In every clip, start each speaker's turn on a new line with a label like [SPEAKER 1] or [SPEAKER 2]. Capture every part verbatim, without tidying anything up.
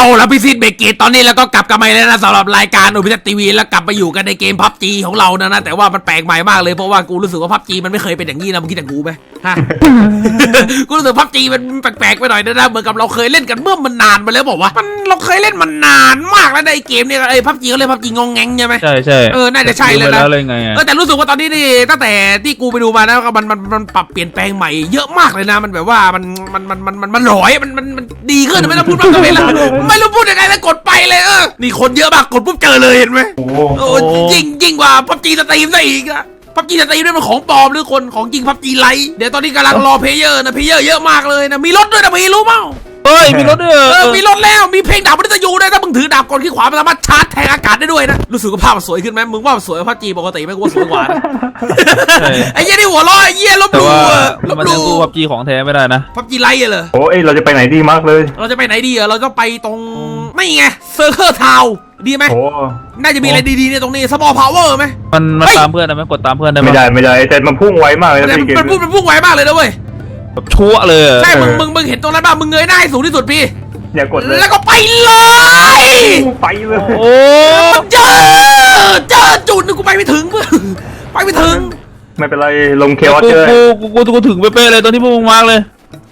[SPEAKER 1] แล้วพี่ซิดเบเกตตอนนี้แล้วก็กลับกันมาแล้วนะสำหรับรายการโอพิทัศน์ทีวีแล้วกลับมาอยู่กันในเกมพับจีของเรานะนะแต่ว่ามันแปลกใหม่มากเลยเพราะว่ากูรู้สึกว่าพับจีมันไม่เคยเป็นอย่างนี้นะมึงคิดอย่างกูไหมฮะ กูรู้สึกพับจีมันแปลกๆไปหน่อยนะเหมือนกับเราเคยเล่นกันเมื่อมันนานไปแล้วบอกว่ามันเราเคยเล่นมันนานมากแล้วในเกมเนี่ยไอ้พับจีเขาเรียกพับจีงงแงงใช่ไหม
[SPEAKER 2] ใช่ใช่
[SPEAKER 1] เออน่าจะใช่เลยนะ
[SPEAKER 2] เลยไง
[SPEAKER 1] เออแต่รู้สึกว่าตอนนี้นี่ตั้งแต่ที่กูไปดูมานะมันมันมันปรับเปลี่ยนแปลงใหม่เยอะมากเลยนะมันแบบว่ามันมันมันมันมันมันหลอยมันมันมันดีขึ้นไม่ต้องพูดมากเลยละไม่รู้พูดยังไงแล้วกดไปเลยเออนี่คนเยอะมากกดปุ๊บเจอเลยเห็นไหมโอ้ยิ่งยิ่งกว่าพับจีสตรีมได้อีกอะพับจีสตรีมด้วยมันของปลอมหรือคนของจริงพับจีไลท์เดี๋ยวตอนนี้กำลังรอเพลเยอร์นะเพลเยอร์เยอะมากเลยนะมีรถด้วยนะพี่รู้เปล่า
[SPEAKER 2] เฮ้ยมีรถด้วยเออ
[SPEAKER 1] มีรถแล้วมีเพลงดาบมันจะอยู่ด้วยถ้ามึงถือดาบกดขี้ขวามันสามารถชาร์จแทงอากาศได้ด้วยนะรู้สึกว่าภาพมันสวยขึ้นไหมมึงว่ามันสวยพับจีปกติไหมกูว่าสวยกว่าไอ้เหี้ยนี่หัวล้อไอ้เหี้ยลบดูลบดู
[SPEAKER 2] พับจีของแท้ไม่ได้นะ
[SPEAKER 1] พับจีไลท์เหรอ
[SPEAKER 3] โอ้ยเราจะไปไหนดีมากเลย
[SPEAKER 1] เราจะไปไหนดีอ่ะเราจะไปตรงไม่ไงเซอร์เคิลทาวดีไหมน่าจะมีอะไรดีๆในตรงนี้สมอลพาวเวอร์ไหม
[SPEAKER 2] มันมันตามเพื่อนได้ไหมกดตามเพื่อนได้ไหม
[SPEAKER 3] ไม่ได้ไม่ได้แต่มันพุ่งไวมากเลยนะ
[SPEAKER 1] พี่เกมมันพุ่งมันพุ่งไวมากเลยนะเว้ย
[SPEAKER 2] แบบชั่วเลย
[SPEAKER 1] ใช่มึงมึงมึงเห็นตรงนั้นป่ะมึงเงยหน้าให้สูงที่สุดพี่
[SPEAKER 3] อย่ากดเลย
[SPEAKER 1] แล้วก็ไปเลย
[SPEAKER 3] ไปเลย
[SPEAKER 1] โอ้เจอเจอจุดนึงกูไปไม่ถึงเพื่อนไปไม่ถึง
[SPEAKER 3] ไม่เป็นไรลงเคออสเจอ
[SPEAKER 2] กูกูกูกูถึงเป๊ะเลยตอนที่พวกมึงมาเลย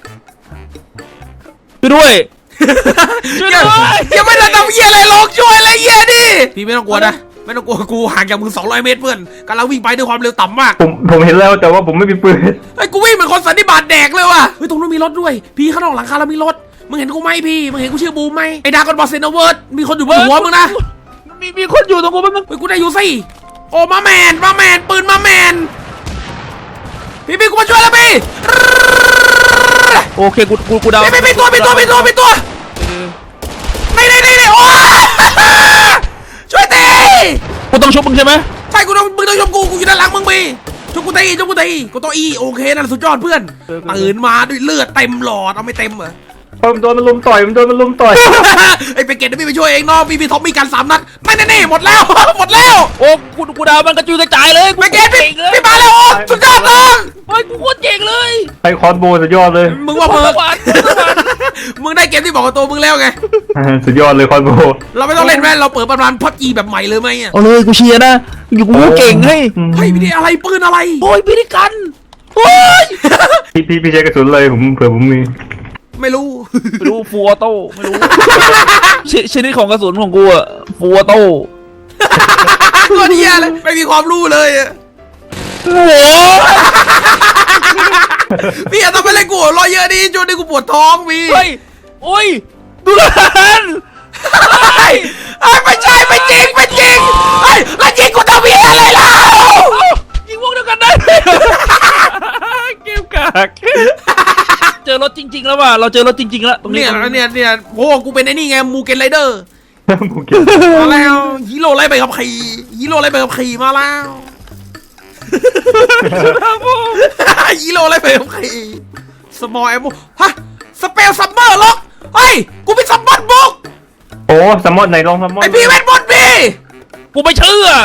[SPEAKER 2] ช่วยด้วยช่วยด้วย
[SPEAKER 1] ยังไม่ได้ทำเหี้ยอะไรลงช่วยอะไรเหี้ยดิพี่ไม่ต้องกลัวนะไม่ต้องกลัวกูห่างจากมึงสองร้อยเมตรเพื่อนกำลังวิ่งไปด้วยความเร็วต่ำมาก
[SPEAKER 3] ผมผมเห็นแล้วแต่ว่าผมไม่มีปืน
[SPEAKER 1] ไอ้กูวิ่งเหมือนคนสันนิบาตแดกเลยว่ะเฮ้ยตรงนู้นมีรถด้วยพี่ข้างนอกหลังคาเรามีรถมึงเห็นกูไหมพี่มึงเห็นกูชื่อบูมไหมไอ้ดากอนบอสเซนเวอร์ดมีคนอยู่บนหัวมึงนะ
[SPEAKER 2] มีมีคนอยู่ตรงกูมั้ง
[SPEAKER 1] เฮ้ยกูได้อยู่สิโอ้มาแมนมาแมนปืนมาแมนพี่พี่กูมาช่วยแล้วพี่
[SPEAKER 2] โอเคกูกูกูดาว
[SPEAKER 1] พี่พี่ตัวพี่ตัวพี่ตัวพี่ตัวไม่ได้ไม่ได้โอ้ช่วยตี
[SPEAKER 2] กูต้องชกมึงใช่ไหม
[SPEAKER 1] ใช่กูต้องมึงต้องชกกูกูอยู่ด้านหลังมึงมีชกกูตีชกกูตีกูตัวอีโอเคนั่นสุดยอดเพื่อนตื่นมาด้วยเลือดเต็มหลอดเอาไม่เต็มเหรอ
[SPEAKER 3] ผมโดนมันลุมต่อยมันโดนมันลุมต่อย
[SPEAKER 1] ไอ้ไปเก็ตพี่ไปช่วยเองน้องพี่พี่ท็อปมีการสามนัดไม่แน่ๆหมดแล้วหมดแล้ว
[SPEAKER 2] โอ้กูกูดาวมันกระจุยกระจายเลย
[SPEAKER 1] ไปเก็ตพี่พี่มาแล้วโอ้สุดยอดน้อง
[SPEAKER 2] เฮ้ยกูโคตรเก่งเลย
[SPEAKER 3] ไอ้คอนโบสุดยอดเลย
[SPEAKER 1] มึงว่ามึงมึงได้เกมที่บอกกับตัวมึงแล้วไง
[SPEAKER 3] สุดยอดเลยคอนโบ
[SPEAKER 1] เราไม่ต้องเล่นแม่เราเปิดประมาณพับจีแบบใหม่เลยไหมอ่ะ
[SPEAKER 2] เอาเลยกูเชียร์นะอยู่กูเก่งให้
[SPEAKER 1] เฮ้ยพี่นี่อะไรปืนอะไร
[SPEAKER 2] โอ้ยพี่นี่กันโอ้ย
[SPEAKER 3] พี่พี่พี่ใช้กระสุนเลยผมเผื่อผมมี
[SPEAKER 1] ไม่รู้
[SPEAKER 2] ไม่รู้ฟัวโต้ไม่รู้ชนิดของกระสุนของกูอะฟัวโต้
[SPEAKER 1] ก็เดียเลยไม่มีความรู้เลย
[SPEAKER 2] โอ้
[SPEAKER 1] พี่อย่าทำอะไรกูรอเยอะดิจนดิกูปวดท้องพี่
[SPEAKER 2] เฮ้ยโอ้ยดูแลน
[SPEAKER 1] ไอ้ไม่ใช่ไม่จริงไม่จริงไอ้แล้วจริงกูทำพี่อะไรล่ะ
[SPEAKER 2] ยิงวงเดียวกันได้เกี่ยวกากเจอรถจริงๆแล้วว่ะเราเจอรถจริงๆแล้ว
[SPEAKER 1] ตรงนี้เนี่ยเนี่ยโอ้กูเป็นไอ้นี่ไงมูเกนไรเดอร์
[SPEAKER 3] มูเกน
[SPEAKER 1] มาแล้วฮีโร่ไล่ไปกับขี่ฮีโร่ไล่ไปกับขี่มาแล้วฮีโร่ไล่ไปกับขี่สมอลแอมโมฮะสเปลซัมเมอร์ล็อกเฮ้ยกูเป็นซัมมอนบุก
[SPEAKER 3] โอ้ซัมมอนไหนลองซัมมอน
[SPEAKER 1] ไอพี่เป็นบอลพี่
[SPEAKER 2] กูไม่เชื่อ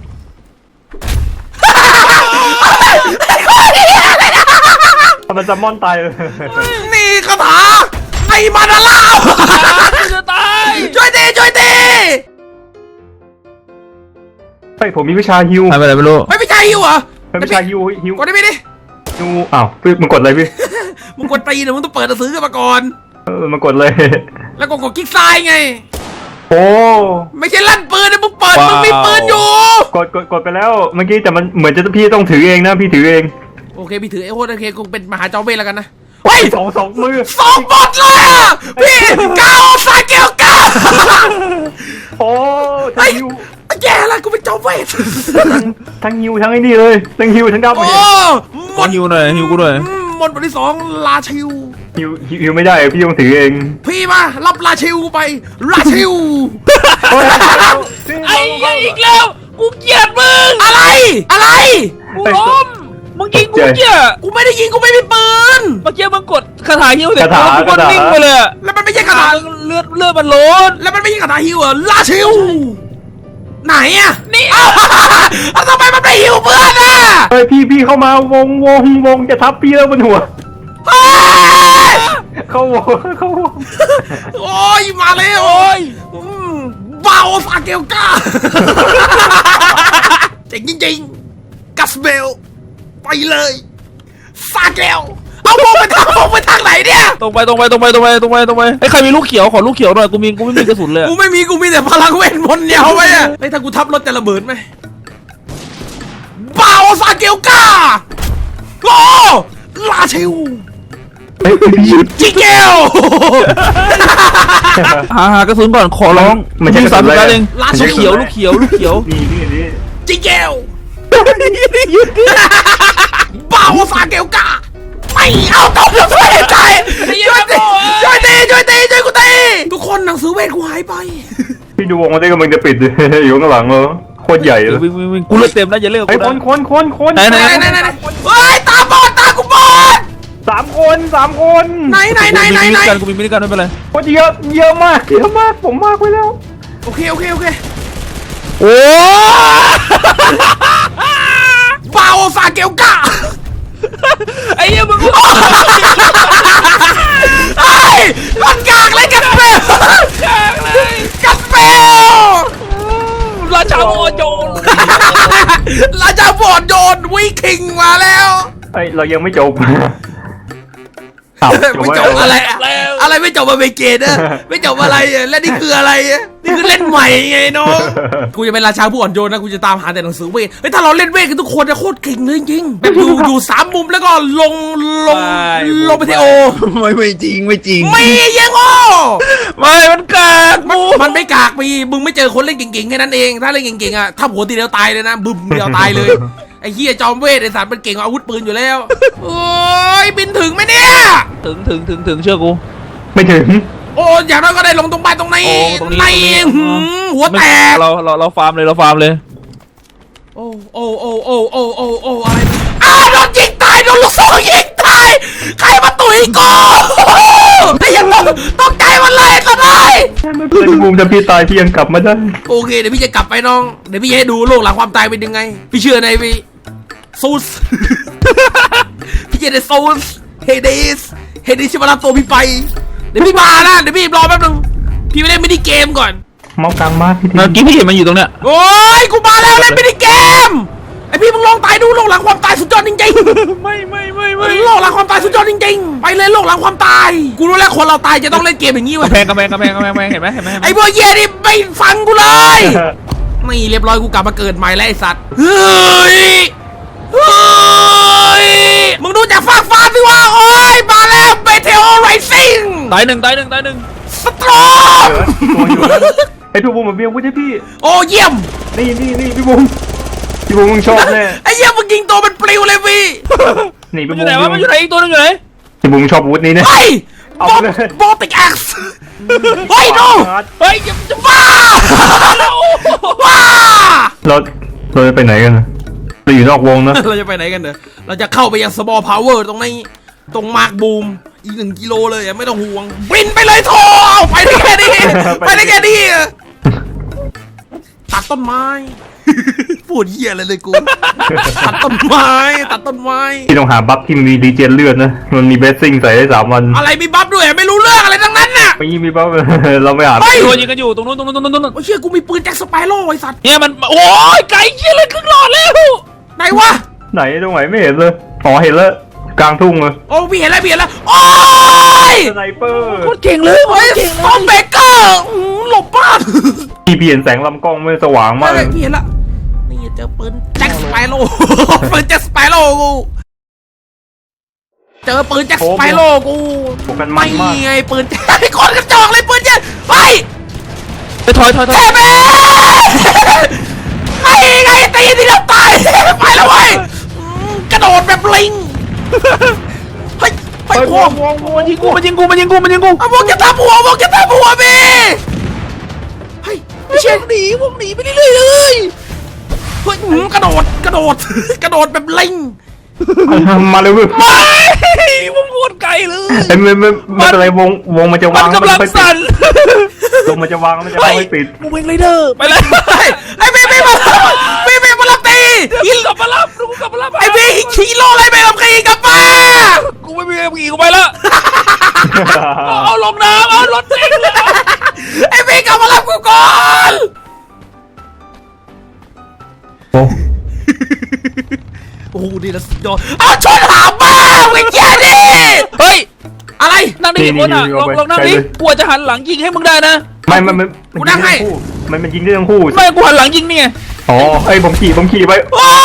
[SPEAKER 3] ทำไมซัมมอนตายเลย
[SPEAKER 1] นี่คาถาไอ้มานาล่า
[SPEAKER 2] จะตาย
[SPEAKER 1] ช่วยตีช่วยตี
[SPEAKER 3] เฮ้ยผมมีวิชาฮิว
[SPEAKER 2] ไม่เป็นไรไม่รู้
[SPEAKER 1] ไม่วิชาฮิวเหรอ
[SPEAKER 3] ไม่วิชาฮิวฮิว
[SPEAKER 1] กดได้ไหมดิ
[SPEAKER 3] ฮิวอ้าวพี่มึงกดอะไรพี่
[SPEAKER 1] มึงกดตีนะมึงต้องเปิดหนังสือกันมาก่อน
[SPEAKER 3] เออมึงกดเลย
[SPEAKER 1] แล้วก็กดคลิกซ้ายไง
[SPEAKER 3] โอ้
[SPEAKER 1] ไม่ใช่ลั่นปืนนะมึงเปิดมึงมีปืนอยู่
[SPEAKER 3] กดกดกดไปแล้วเมื่อกี้แต่มันเหมือนจะพี่ต้องถือเองนะพี่ถือเอง
[SPEAKER 1] โอเคพี่ถือไอ้โหดโอเคคงเป็นมหาเจ้าเวทแล้วกันนะ
[SPEAKER 3] เฮ้ยสองสองมือ
[SPEAKER 1] สองบอทเลยอ่ะพี่เก้าสายเกี่ยวก้า
[SPEAKER 3] โอ้ทั้งฮิว
[SPEAKER 1] แย่แล้วกูเป็นเจ้าเวท
[SPEAKER 3] ทั้งฮิวทั้งไอ้นี่เลยทั้งฮิวทั้งดำ
[SPEAKER 1] โอ้
[SPEAKER 2] มอนฮิวหน่อยฮิวกูหน่อย
[SPEAKER 1] มอนบทที่สองลาชิว
[SPEAKER 3] ฮิวฮิวไม่ได้พี่ต้องถือเอง
[SPEAKER 1] พี่มารับลาชิวไปลาชิว
[SPEAKER 2] ไอ้อีกแล้วกูเกลียดมึง
[SPEAKER 1] อะไรอะไร
[SPEAKER 2] กูล้มมึงยิงกูเกี้ย
[SPEAKER 1] กูไม่ได้ยิงกูไม่มีปืน
[SPEAKER 2] เมื่อกี้มึงกดคาถาฮิวเสร็จกูก็นิ่งไปเลย
[SPEAKER 1] แล้วมันไม่ใช่คาถา
[SPEAKER 2] เลือดเลือดมันล้น
[SPEAKER 1] แล้วมันไม่ใช่คาถาฮิวเหรอลาชิวไหนอ่ะนี่เอาทำไมมันไม่ฮิวเพื่อนอ่ะ
[SPEAKER 3] เฮ้ยพี่พี่เข้ามาวงวงวงจะทับพี่แล้วบนหัวเข้าวงเข้าวง
[SPEAKER 1] โอ้ยมาแล้ว
[SPEAKER 2] โอ้ย
[SPEAKER 1] อืมบาโอซาเกลก้าเจ๋งจริงๆกัสเบลไปเลยซาเกลเอามองไปทางมองไปทางไหนเนี่ย
[SPEAKER 2] ตรงไปตรงไปตรงไปตรงไปตรงไปตรงไปไอ้ใครมีลูกเขียวขอลูกเขียวหน่อยกูมีกูไม่มีกระสุนเลย
[SPEAKER 1] กูไม่มีกูมีแต่พลังเวทมนต์เนี่ยเอาไว้อะไอ้ยถ้ากูทับรถจะระเบิดไหมบาโอซาเกลก้าโอ้ลาเชล
[SPEAKER 3] เฮ้ยพี่
[SPEAKER 1] จิเกล
[SPEAKER 2] หาหากระสุนก่อนขอร้อง
[SPEAKER 3] มันใช่กระสุ
[SPEAKER 2] สาม
[SPEAKER 3] น
[SPEAKER 2] สิ
[SPEAKER 3] อะไร
[SPEAKER 2] บนัดเอง
[SPEAKER 1] ลา
[SPEAKER 2] ลูกเขียวลูกเขียวลูกเขียว
[SPEAKER 3] นี่นี่นี่
[SPEAKER 1] จิเกลบาโอซาเกลก้าไม่เอาต้องช่วยใจช่วยตีช่วยตีช่วยตีช่วยกูตีทุกคนหนังสือเวทกูหายไป
[SPEAKER 3] พี่ดูวงมันได้กำลังจะปิด อยู่ข้างหลังเลยโคตรใหญ่เลย
[SPEAKER 2] วิ่งวิ่งวิ่งกูเลือดเต็มนะอย่าเลิก
[SPEAKER 3] ไอ้
[SPEAKER 2] กู
[SPEAKER 3] คน
[SPEAKER 2] นะ
[SPEAKER 3] คนคนคน
[SPEAKER 2] ไหนไหน
[SPEAKER 1] ไหนไหนไหนไหนเฮ้ยตาบอดตากูบอด
[SPEAKER 3] สามคนสามคน
[SPEAKER 1] ไหนไหนไหนไหนไหน
[SPEAKER 2] กูมีมินิกันกูมีมินิกันไม่เป็นไร
[SPEAKER 3] โคตรเยอะเยอะมากเยอะมากผมมากไปแล้ว
[SPEAKER 1] โอเคโอเคโอเค
[SPEAKER 2] โอ้
[SPEAKER 1] บาโอซาเกลก้า
[SPEAKER 2] ไอ้เหี้ยมึง
[SPEAKER 1] ไอ้ยมันกากเลยกัสเปล
[SPEAKER 2] กากเลย
[SPEAKER 1] กัสเปล
[SPEAKER 2] ราชาโมโจร
[SPEAKER 1] ราชาบอดโยนวิคิงมาแล้ว
[SPEAKER 3] ไอ้เรายังไม่จบอ้าว
[SPEAKER 1] ไม่จบอะไร อะไรไม่จบมาเบเกตอะไม่จบอะไรอะและนี่คืออะไรอะนี่คือเล่นใหม่ไงน้องกูจะเป็นราชาผู้อ่อนโยนนะกูจะตามหาแต่หนังสือเวทเฮ้ยถ้าเราเล่นเวทกันทุกคนจะโคตรเก่งเลยจริงๆแบบอยู่อยู่สามมุมแล้วก็ลงลงลงไปที่โอ
[SPEAKER 2] ไม่ไม่จริงไม่จริง
[SPEAKER 1] ไม่ยังโอ
[SPEAKER 2] ไม่มันกาก
[SPEAKER 1] มันมันไม่กากมีมึงไม่เจอคนเล่นเก่งๆแค่นั้นเองถ้าเล่นเก่งๆอะถ้าหัวตีเดียวตายเลยนะบึ้มเดียวตายเลยไอ้เฮียจอมเวทไอ้สารมันเก่งกว่าอาวุธปืนอยู่แล้วโอ้ยบินถึงไหมเนี่ย
[SPEAKER 2] ถึงถึงถึงถึงเชื่อกู
[SPEAKER 3] ไม่ถึง
[SPEAKER 1] โอ้อย่างน้อยก็ได้ลงตรงบ้านตรงนี้
[SPEAKER 2] โอ้ตรงนี้
[SPEAKER 1] ใน
[SPEAKER 2] ตรงนี้
[SPEAKER 1] หืมหัวแตก
[SPEAKER 2] เราเราเราฟาร์มเลยเราฟาร์มเลย
[SPEAKER 1] โอ้โอ้โอ้โอ้โอ้โอ้โอ้อะไรอ้าโดนยิงตายโดนลูกซองยิงตายใครมาตุ๋ยกูไอ้ยังตกตกใจมันเลยก็ได้
[SPEAKER 3] เพื่อนบูมจะพี่ตายพี่ยังกลับมาได้
[SPEAKER 1] โอเคเดี๋ยวพี่จะกลับไปน้องเดี๋ยวพี่จะให้ดูโลกหลังความตายเป็นยังไง พี่เชื่อในพี่ซูส พี่จะได้ซูสเฮเดสเฮเดสชิมารับตัวพี่ไปเดี๋ยวพี่มานะเดี๋ยวพี่รอแป๊บนึงพี่ไปเล่นมินิเกมก่อน
[SPEAKER 3] เมากลางมากพี่ที
[SPEAKER 2] เมื่อกี้พี่เห็นมันอยู่ตรงเนี้ย
[SPEAKER 1] โอ้ยกูมาแล้วเล่นมินิเกมไอพี่มึงลองตายดูโลกหลังความตายสุดยอดจริงๆ
[SPEAKER 2] ไม่ไม่ไม่ไม่
[SPEAKER 1] โลกหลังความตายสุดยอดจริงๆไปเลยโลกหลังความตายกูรู้แล้วคนเราตายจะต้องเล่นเกมอย่างนี้เว้ย
[SPEAKER 2] กำแพงกำแพงกำแพงกำแพงกำแพงเห็นไหมเห็นไหมเห็นไหม
[SPEAKER 1] ไอ้พวกเหี้ยนี่ไม่ฟังกูเลยนี่เรียบร้อยกูกลับมาเกิดใหม่แล้วไอ้สัตว์เฮ้ยเฮ้ยมึงดูจากฟ้าฟ้าสิว่าโอ้ยมาแล้วเบเทโอไรซิ่ง
[SPEAKER 2] ตายหนึ่งตายหนึ่งตายหนึ่ง
[SPEAKER 1] สตรอง
[SPEAKER 3] ไอ้พี่บูมมาเบี้ยวุ้ยพี่
[SPEAKER 1] โอ้เยี่ยม
[SPEAKER 3] นี่นี่นี่พี่บูมพี่บูมมึงชอบแน่
[SPEAKER 1] ไอ้เยี่ยมมึงยิงตัวมันปลิวเลยพี่
[SPEAKER 3] นี่
[SPEAKER 2] มั
[SPEAKER 3] พี่
[SPEAKER 2] นอ
[SPEAKER 3] บู
[SPEAKER 2] ยู่
[SPEAKER 3] ม
[SPEAKER 2] ไหนวะมันอยู่ไหนอีกตัวนึงอยู่ไหน
[SPEAKER 3] พี่บูมชอบวุ้นี้เนี่ย
[SPEAKER 1] เฮ้ย
[SPEAKER 3] เอา
[SPEAKER 1] บอ
[SPEAKER 3] ไปเลย
[SPEAKER 1] บอติกแอ็กซ์เฮ้ยดู
[SPEAKER 2] เฮ้ยอย่าจะ
[SPEAKER 1] บ้าบ้า
[SPEAKER 3] เราเราจะไปไหนกันเราอยู่นอกวงนะ
[SPEAKER 1] เราจะไปไหนกันเนอะเราจะเข้าไปยังสมอลพาวเวอร์ตรงนี้ตรงมาร์กบูมอีกหนึ่งกิโลเลยอะไม่ต้องห่วงบินไปเลยโทเอาไปได้แค่นี้ไปได้แค่นี้อะตัดต้นไม้ พูดเหี้ยอะไรเลยกู ตัดต้นไม้ตัดต้นไม้
[SPEAKER 3] พี่ต้องหาบัฟที่มีดีเจนเลือดนะมันมีเบสซิ่งใส่ได้สามวัน
[SPEAKER 1] อะไรมีบัฟด้วยไม่รู้เรื่องอะไรทั้งนั้นน่ะ
[SPEAKER 3] ไม่มีบัฟ เราไม่หา
[SPEAKER 1] เฮ้ย
[SPEAKER 2] ตัวยิงกันอยู่ตรงนู้นตรงนู้นตรงนู้นตรงนู้น
[SPEAKER 1] โอ้ยเชี่ยกูมีปืนแจ็คสไปโร่ไอ้สัตว์
[SPEAKER 2] เนี่ยมันโอ้ยไก่เชี่ยเลยครึ่งหลอดแล้ว
[SPEAKER 1] ไหนวะ
[SPEAKER 3] ไหนตรงไหนไม่เห็นเลยอ๋อเห็นแล้วกลางทุ่งเลย
[SPEAKER 1] โอ้พี่เห็นแล้วพี่เห็นแล้วโอ้ย
[SPEAKER 3] สไนเปอร์
[SPEAKER 2] โคตรเก่งเลยโค
[SPEAKER 1] เฮ้ย
[SPEAKER 2] ตรเก่ง
[SPEAKER 1] ซอมเบเกอร์อื้อหลบบ้าน
[SPEAKER 3] พี่เปลี่ยนแสงลำกล้องไม่สว่างมาก
[SPEAKER 1] ไม่พี่เห็นละนี่เจอปืนแจ็คสไปโร่ ปืนแจ็คสไปโร่กูเจอปืนแจ็คสไปโร่กู
[SPEAKER 3] พวกกันมั
[SPEAKER 1] ไม่
[SPEAKER 3] นมาก
[SPEAKER 1] ไงปืนไอ้คนกระจอกเลยปืนเนี่ยเฮ้ย
[SPEAKER 2] ไปถอยถอยถอย
[SPEAKER 1] แทบเองไงไงตีทีเดียวตายไปแล้วเว้ยอืมกระโดดแบบลิงเฮ้ยไป
[SPEAKER 3] ไป
[SPEAKER 1] พวก
[SPEAKER 3] วงวง
[SPEAKER 2] มันยิงกูมันยิงกูมันยิงกูมันยิงกู
[SPEAKER 1] เอาพวกจะทับหัวพวกจะทับหัวพี่เฮ้ยไม่ใช่
[SPEAKER 2] วงหนีวงหนีไปเรื่อยๆเลย
[SPEAKER 1] เฮ้ยอืมกระโดดกระโดด กระโดดแบบลิง
[SPEAKER 3] มาเลยเว้ยว
[SPEAKER 2] งโคตรไกลเลย
[SPEAKER 3] ไอ้ไม่ไม่ไม่เป็นไรวงวงมันจะ
[SPEAKER 2] มั
[SPEAKER 3] วาน ง
[SPEAKER 2] กำลัง
[SPEAKER 3] ไม่ปิด
[SPEAKER 2] สั่น
[SPEAKER 3] วงมันจะวางมันจะไม่ปิด
[SPEAKER 2] มึงเป็นไรเดอร์ไปเลย
[SPEAKER 1] เฮ้ยไอ้พี่พี่มาพี่พี่มารับตี
[SPEAKER 2] ยิงกลับมารับกูกลับมารับ
[SPEAKER 1] ไอ้พี่ขี่โลอะไรไปกับขี่กลับมา
[SPEAKER 2] กูไม่มีขี่กูไปแล้วเอาลงน้ำเอารถ
[SPEAKER 3] โอ้
[SPEAKER 1] โอ้โหนี่ละสุดยอดเอาชนหาบ้าไอ้เจ้าดิ
[SPEAKER 2] เฮ้ย
[SPEAKER 1] อะไร
[SPEAKER 2] นั่งนี่คนอ่ะลองลองนั่งดิกลัวจะหันหลังยิงให้มึงได้นะ
[SPEAKER 3] ไม่มันมัน
[SPEAKER 1] กูนั่งให้
[SPEAKER 3] มันมันยิงได้ทั้งคู่
[SPEAKER 2] ไม่กูหันหลังยิงเนี่ย
[SPEAKER 3] อ๋อไอ้ผมขี่ผมขี่ไป
[SPEAKER 1] โอ้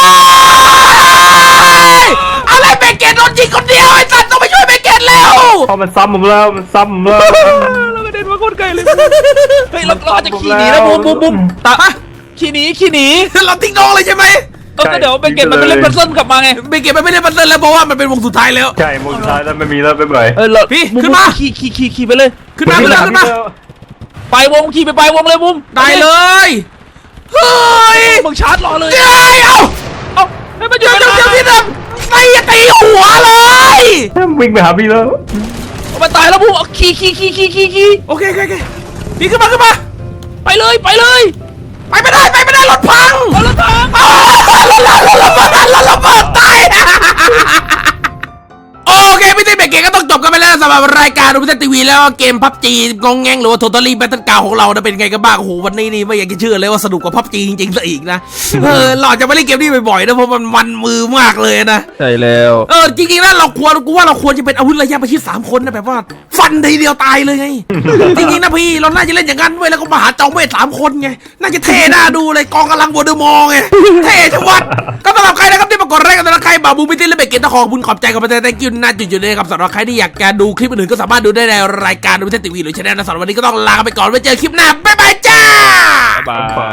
[SPEAKER 1] ยอะไรเบเกตโดนยิงคนเดียวไอ้สัตว์ต้องไปช่วยเบเกตแล้ว
[SPEAKER 3] เพราะมันซ้ำผมแล้วมันซ้ำผมแล้ว
[SPEAKER 2] เรากระเด็นมาโคตรไกลเลยเฮ้ยเราเราอาจจะขี่หนีนะบูมบูมบูมตาขี่หนีขี่หนี
[SPEAKER 1] เราทิ้งน้องเลยใช่ไหม
[SPEAKER 2] เออเดี๋ยวเบเกตมันไปเล่นพัซเซิลกลับมาไง
[SPEAKER 1] เบเกตมันไม่ได้บันเทิงแล้วเพราะว่ามันเป็นวงสุดท้ายแล้ว
[SPEAKER 3] ใช่โมงสุดท้ายแล้วไม่มีแล้วไปเบื่อ
[SPEAKER 2] เออเรา
[SPEAKER 1] พี่
[SPEAKER 2] บู
[SPEAKER 1] ขึ้นมา
[SPEAKER 2] ขี่ขี่ขี่ขี่ไปเลย
[SPEAKER 1] ขึ้นมาขึ้นมาขึ้นมา
[SPEAKER 2] ไปวงขี่ไปไปวงเลยบูม
[SPEAKER 1] ได้เลยเฮ้ย
[SPEAKER 2] มึงชาร์จรอเลย
[SPEAKER 1] เอ้ยเอา
[SPEAKER 2] เอ้าให้มันหยุ
[SPEAKER 1] เดี๋
[SPEAKER 2] ด
[SPEAKER 1] ยว
[SPEAKER 2] เว
[SPEAKER 1] เดี๋ยว
[SPEAKER 2] ลา
[SPEAKER 1] เดี๋ยวพี่ดำตีตีหัวเลย
[SPEAKER 3] วิ่งไปหาพี่แล้ว
[SPEAKER 2] เอามาตายแล้วบูมเอาขี่ขี่ขี่ขี่ขี่ขี่
[SPEAKER 1] โอเคโอเคโอเคพี่ขึ้นมาขึ้นมา
[SPEAKER 2] ไปเลยไปเลย
[SPEAKER 1] ไปไม่ได้ไปไม่ได้รถพัง
[SPEAKER 2] เอาละทาง
[SPEAKER 1] อ้าวรถรถรถระเบิดรถระเบิดตายโอเคพี่ติ๊กเบรกเกมก็ต้องจบกันไปแล้วสำหรับรายการดูพิเศษทีวีแล้วก็เกมพับจีงงแงงหรือว่า Totally Battle Ground ของเรานะเป็นไงกันบ้างโอ้โหวันนี้นี่ไม่อยากจะเชื่อเลยว่าสนุกกว่าพับจีจริงๆซะอีกนะเออเราจะไม่เล่นเกมนี้บ่อยๆนะเพราะมันมันมือมากเลยนะ
[SPEAKER 2] ใช่แล้ว
[SPEAKER 1] เออจริงๆนะเราควรกูว่าเราควรจะเป็นอาวุธระยะประชิดสามคนนะแบบว่า ฟันทีเดียวตายเลยไง จริงๆนะพี่เราน่าจะเล่นอย่างนั้นด้วยแล้วก็มาหาจอมเวทสามคนไงน่าจะเท่น่าดูเลยกองกำลังวอร์เดอร์มอร์ไงเท่ชะวัดก็สำหรับใครนะครับที่มากดไลค์กันสำหรับใครบาบูมิติและเบเกตตะขอบุญขอบใจกับประเทศแตงกิ้วน่าจุดๆเลยครับสำหรับใครที่อยากจะดูคลิปอื่นๆก็สามารถดูได้ในรายการดูพิเศษทีวีหรือช่องนะสำหรับวันนี้ก็ต้องลาไปก่อนไว้เจอคลิปหน้าบ๊ายบายจ้า
[SPEAKER 2] บาย